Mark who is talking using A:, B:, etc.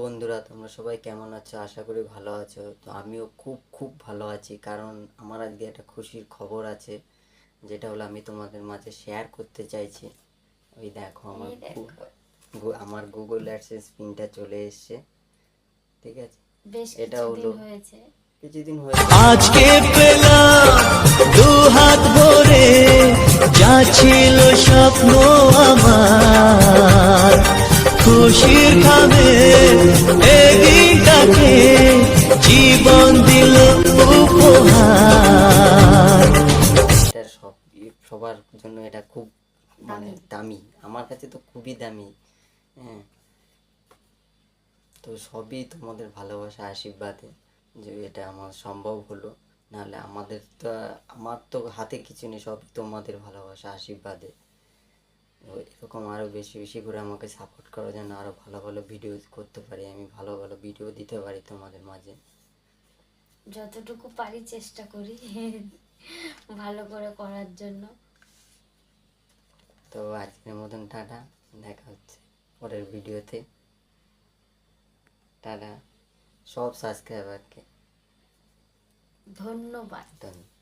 A: বন্ধুরা, তোমরা সবাই কেমন আছো? আশা করি ভালো আছো। তো আমিও খুব খুব ভালো আছি, কারণ আমার আজকে একটা খুশির খবর আছে, যেটা হলো আমি তোমাদের মাঝে শেয়ার করতে চাইছি। ওই দেখো, আমার গুগল অ্যাডসেন্স পিনটা চলে এসছে। ঠিক আছে,
B: বেশ
A: এটা
B: কিছুদিন
A: হলো
B: হয়েছে।
A: কিছুদিন হয়েছে।
C: আজকে পেলাম দু হাত ভরে, যা ছিল স্বপ্ন আমার, খুশির খাবে এদিনটাকে জীবন দিল উপহার।
A: এটা সবার জন্য এটা খুব দামি। আমার কাছে তো খুবই দামি। হ্যাঁ, তো সবই তোমাদের ভালোবাসা আশীর্বাদে যে এটা আমার সম্ভব হলো। নাহলে আমার তো হাতে কিছু নেই, সবই তোমাদের ভালোবাসা আশীর্বাদে। এরকম আরও বেশি বেশি করে আমাকে সাপোর্ট করো, যেন আরও ভালো ভালো ভিডিও করতে পারি, আমি ভালো ভালো ভিডিও দিতে পারি তোমাদের মাঝে।
B: যতটুকু পারি চেষ্টা করি ভালো করে করার জন্য।
A: তো আজকের মতন টাটা, দেখা হচ্ছে পরের ভিডিওতে। টাটা সব সাবস্ক্রাইবারকে
B: ধন্যবাদ।
A: ধন্যবাদ।